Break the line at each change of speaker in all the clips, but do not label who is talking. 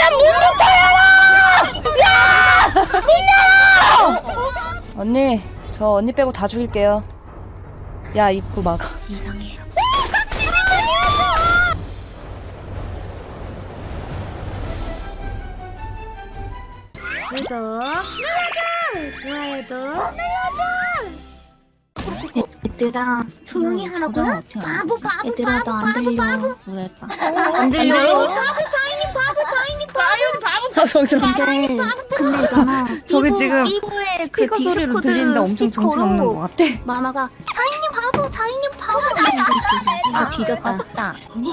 야, 문부터 열어! 야! 문 열어! 언니, 저 언니 빼고 다 죽일게요. 야, 입구 막아.
이상해. 구독 눌러줘! 좋아요도 눌러줘! 얘들아 조용히 하라고요? 바보 바보
얘들아
바보
나 안
바보
들려.
바보
그랬다.
안 들려요? 바보 자인이 바보 자인이 바보
아, 정신없어.
근데 있잖아.
저기 지금
삐부의
스피커 소리로 들리는데 엄청 정신없는 것 같아.
마마가 자인이 바보 자인이 바보
아 뒤졌다.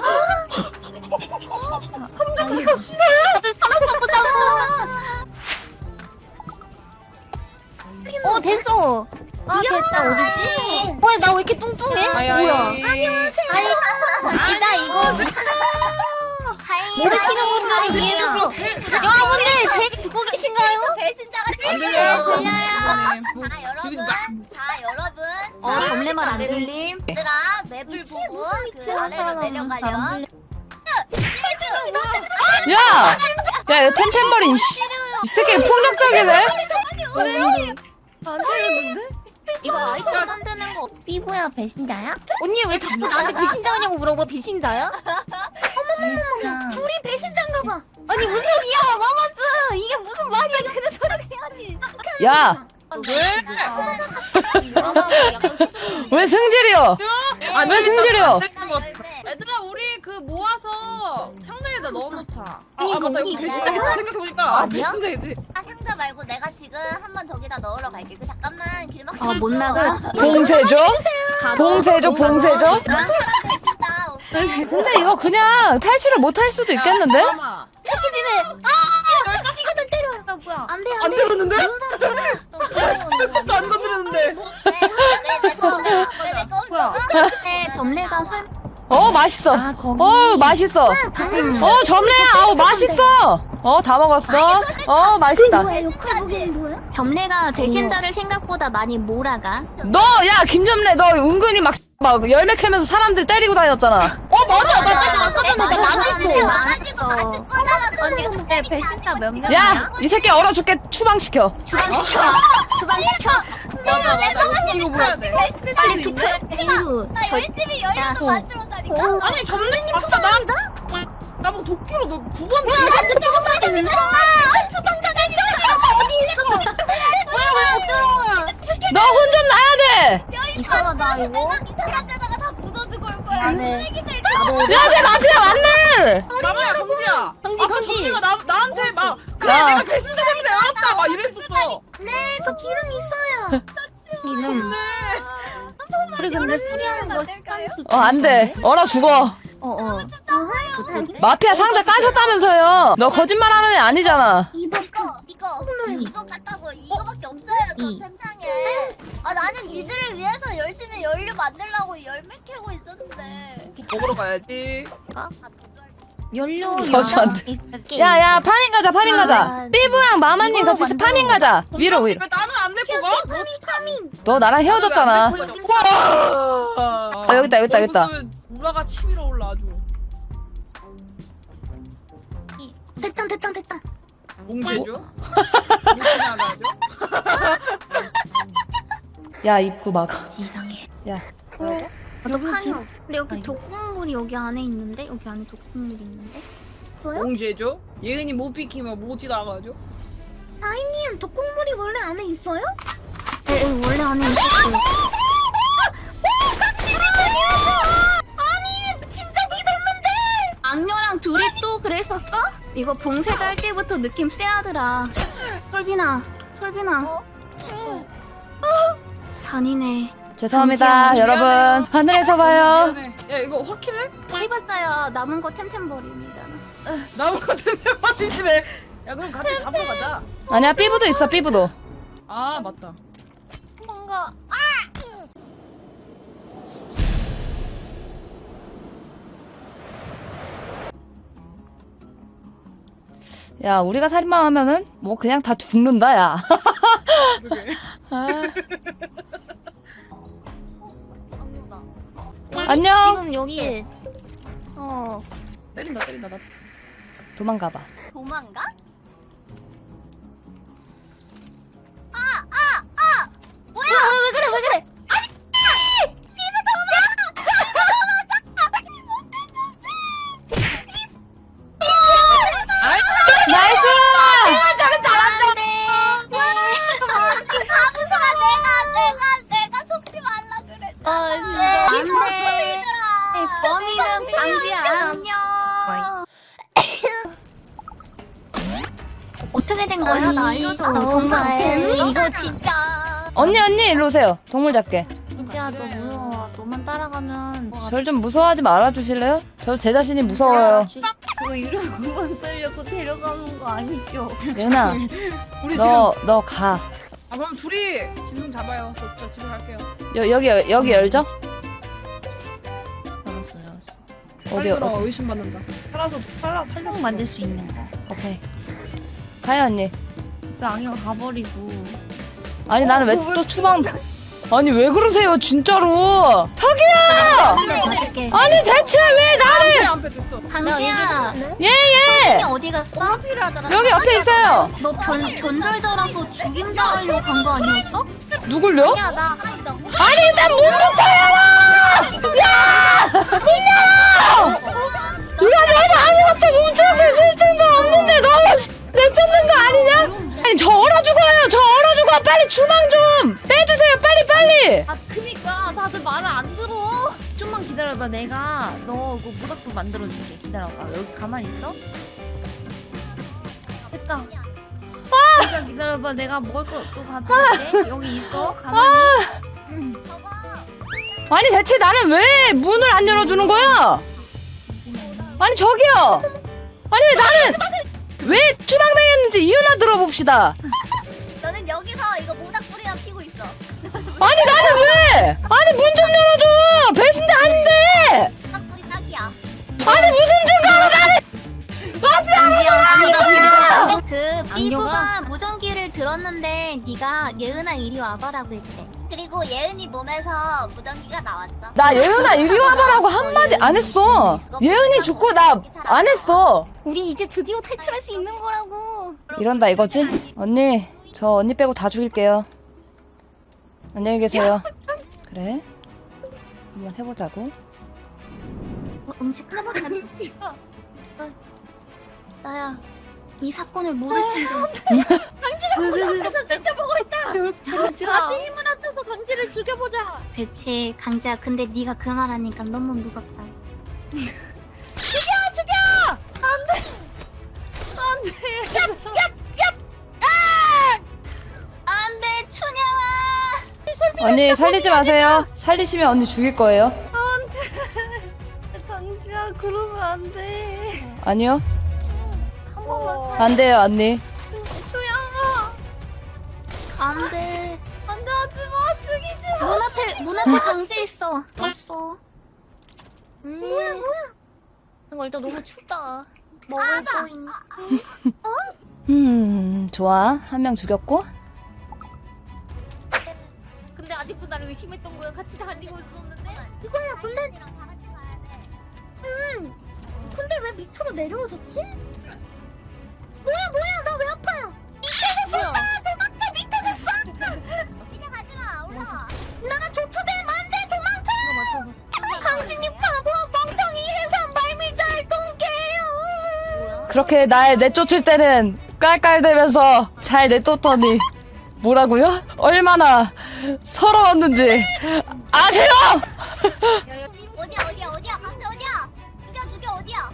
됐어. 됐다 어디지? 나 왜 이렇게 뚱뚱해? 뭐야? 안녕하세요. 나 이거 모르시는 분들을 위해서 여러분들 제 듣고 계신가요? 배신자가
안 들려요.
들려요.
자 여러분.
점례 말 안 들림.
얘들아 맵을 보고 그 아래로 내려가렴.
야! 야, 이거 템템버린, 씨. 이 새끼 폭력적이네?
안 들리는데? 이거 아이템 만드는 거 삐부야 배신자야? 언니 왜 자꾸 나한테 배신자냐고 물어봐. 배신자야? 어머머머머 둘이 배신자인가 봐. 아니 무슨 소리야 마마스. 이게 무슨 말이야. 그런 소리를 해야지.
야! 왜 승질이요? 왜 승질이요?
얘들아 우리 그 모아서 상자에다 넣어놓자.
그니까
맞다,
언니
이거
이거
생각해보니까
아니야?
상자에지.
상자 말고 내가 지금 한번 저기다 넣으러 갈게. 그 잠깐만 길막.
못 나가?
봉쇄죠? 봉쇄죠, 봉쇄죠?
배신자.
근데 이거 그냥 탈출을 못 할 수도 있겠는데?
잠깐만.
새끼들은 지금은 때려요. 뭐야? 안돼
안 들었는데?
무슨
안 건드렸는데.
뭐야? 점례가 설.
맛있어. 맛있어. 점례야. 아우, 맛있어. 다 먹었어. 맛있다.
역할복은 뭐야? 점례가 배신자를 생각보다 많이 몰아가.
너, 야, 김점래, 너 은근히 막 열매 캐면서 사람들 때리고 다녔잖아.
맞아. 나 아까 전에 나
망했어.
언니 근데 배신자 몇 명이야?
야, 이 새끼 얼어 죽게 추방시켜.
주방시켜.
맞아. 이거 뭐야 돼?
빨리 투표해. 이후.
나 열심히 열려서 만들어다니까.
아니 점례님 수상이다? 나뭐 도끼로 너 9번.
나한테 추방당했어. 추방당했어. 어디 있어? 왜못 들어와?
너 혼 좀 나야 돼.
이상하다 이거.
이상한 데다가 다 묻어주고 올 거야.
네.
쓰레기들
야, 쟤 마피아 맞네.
나무야 경지야.
경지,
아까
경지.
점례가 나한테 막 그래
야.
내가 배신자 때문에 알았다 막 이랬었어.
저 기름 있어요. 기름. 우리 근데 수리하는 거 습관 좋지.
안 돼. 얼어 죽어. 마피아 상자 까셨다면서요. 너 거짓말 하는 애 아니잖아.
이거 같다고 이거밖에 없어요. 저 세상에. 나는 니들을 위해서 열심히 연료 만들려고 열매 캐고 있었는데.
먹으러 가야지.
연료
저수한테. 야, 파밍 가자, 파밍 가자. 삐부랑 마마님 같이 파밍 가자. 위로.
왜 나는 안 내고 가?
너 나랑 헤어졌잖아.
와.
여기 있다.
우라가 치밀어 올라 아주.
됐다.
몽제죠?
야, 입구 막아.
이상해.
야.
여기 칸이 없. 근데 여기 독극물이 여기 안에 있는데 여기 안에 독극물이 있는데.
몽제죠? 예은이 못 비키면 못이 나가죠?
님 독극물이 원래 안에 있어요? 네, 원래 안에 있었어요. 아니 진짜 믿었는데. 악녀랑 둘이 또 그랬었어? 이거 봉쇄자 할 때부터 느낌 쎄하더라. 설빈아. 잔인해.
죄송합니다, 여러분. 하늘에서 봐요.
미안해. 야 이거 확실해?
해봤자야 남은 거 템템버린이잖아.
나온 거 같은데 빠지시네. 야 그럼 같이 잡으러 가자.
아니야, 삐부도 있어, 삐부도.
아 맞다.
뭔가
야, 우리가 살인마 하면은 뭐 그냥 다 죽는다, 야.
그러게.
아.
악녀다.
안녕.
지금 여기
때린다 나.
도망가봐.
도망가? 뭐야?
왜 그래 왜 그래?
나이스!
내가 속지 말라 그랬잖아.
아 진짜 안돼.
안돼.
범인은 강지야 안녕.
어떻게 된 거야? 나 알려줘.
정말
재미?
이거 진짜.
언니 일로 오세요. 동물 잡게.
강지야 너 무서워. 너만 따라가면
절 좀 무서워하지 말아주실래요? 저 제 자신이 무서워요.
그거 이름 한번 쓰려고 데려가는 거 아니죠?
예은아,
우리
너 가.
아 그럼 둘이 진동 잡아요. 저 집에 갈게요.
여기 열죠?
알았어.
어디
살려라, 의심받는다. 살려.
총 만들 수 있는 거.
오케이. 가요 언니.
저 악녀 가버리고.
아니 나는 왜 또 추방? 아니 왜 그러세요 진짜로? 자기야!
받을게.
아니 대체 왜 나를?
안패 됐어.
강지야.
예예.
어디 갔어?
여기 옆에 있어요.
너 변절자라서 죽임 당하려고 간 거 아니었어?
누굴요?
야 나.
아니 일단 문부터 열어! 야! 문 열어! 이거 내가 아무것도 뭉쳐도 실증도 없는데 너무 내쫓는 거 아니냐? 아니 저 얼어 죽어요. 저 얼어 죽어. 빨리 주방 좀 빼주세요. 빨리.
아 그니까 다들 말을 안 들어. 좀만 기다려봐. 내가 너 그 모닥불 만들어줄게. 기다려봐. 여기 가만히 있어. 됐다. 잠깐 기다려봐. 내가 먹을 거 또 가져올게. 여기 있어. 가만히.
아니 대체 나는 왜 문을 안 열어주는 거야? 아니 저기요. 아니 왜 나는 왜 추방당했는지 이유나 들어봅시다.
너는 여기서 이거 모닥불이나 피고 있어.
아니 나는 왜? 아니 문 좀 열어줘. 배신자 아닌데.
모닥불이 딱이야.
아니 무슨 증거로 나를?
그 삐부가 무전기를 들었는데 네가 예은아 이리 와봐라고 했대.
그리고 예은이 몸에서 무전기가 나왔어.
나 예은아 이리 와봐라고 한마디 안 했어. 예은이 죽고 나 안 했어.
우리 이제 드디어 탈출할 수 있는 거라고.
이런다 이거지? 언니 저 언니 빼고 다 죽일게요. 안녕히 계세요. 그래 한번 해보자고.
음식 하나 가지. 나야 이 사건을 모를 텐데.
강지가 진짜 보고 있다. 강지가 힘을 합쳐서 강지를 죽여보자.
그치 강지야 근데 네가 그 말하니까 너무 무섭다. 안돼 춘향아.
언니 살리지 마세요. 살리시면 언니 죽일 거예요.
강지야 그러면 안 돼.
아니요.
한 번만
안 돼요 언니.
조양아.
안돼.
안돼 하지마. 죽이지 마.
문 앞에 강지 있어. 왔어.
뭐야.
이거 일단 너무 춥다. 먹을 거 있나?
좋아. 한 명 죽였고.
근데 아직도 나를 의심했던 거야. 같이 다니고 있었는데.
이거야 근데 근데 왜 밑으로 내려오셨지? 뭐야 나 왜 아파요? 밑에서 쏜다! 도망쳐 밑에서 쏜다! 그냥 가지마 올라와. 나 도투되면 안돼 도망쳐! 강진님 바보 멍청이 해서 말미잘 동게요.
그렇게 날 내쫓을 때는 깔깔대면서 잘 내쫓더니 뭐라고요? 얼마나 서러웠는지 아세요?
어디야 강재 어디야? 죽여 어디야?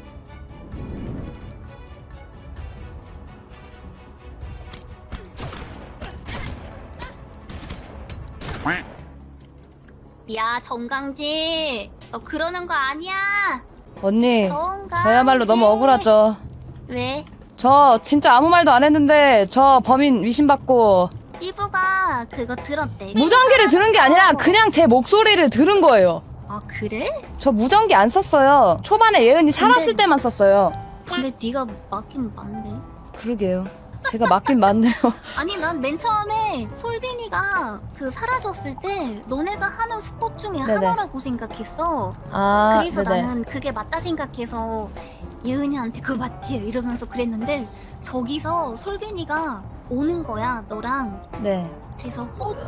야 정강지. 너 그러는 거 아니야.
언니
정강지.
저야말로 너무 억울하죠.
왜?
저 진짜 아무 말도 안 했는데 저 범인 의심받고
삐부가 그거 들었대.
무전기를 들은 게 아니라 그냥 제 목소리를 들은 거예요.
아 그래?
저 무전기 안 썼어요. 초반에 예은이 살았을 때만 썼어요.
근데 네가 맞긴 맞네.
그러게요. 제가 맞긴 맞네요.
아니 난 맨 처음에 솔빈이가 그 사라졌을 때 너네가 하는 수법 중에
네네.
하나라고 생각했어.
아,
그래서
네네.
나는 그게 맞다 생각해서
예은이한테 그거 맞지? 이러면서 그랬는데 저기서 솔빈이가 오는 거야 너랑.
네.
그래서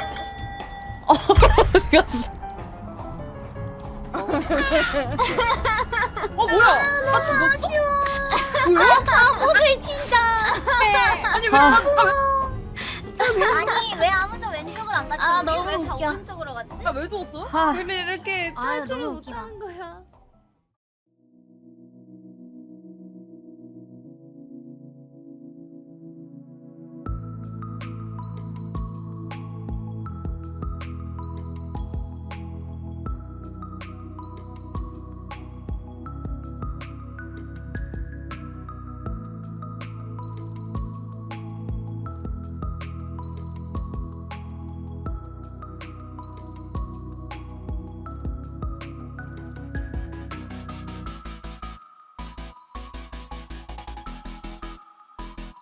뭐야? 나 죽었어?
바보들 진짜.
아니 왜?
아니 왜 아무도 왼쪽을 안 갔지? 아 너무 웃겨.
나왜 죽었어?
아,
우리 이렇게
아유,
탈출을
너무
못
웃기다.
하는 거야.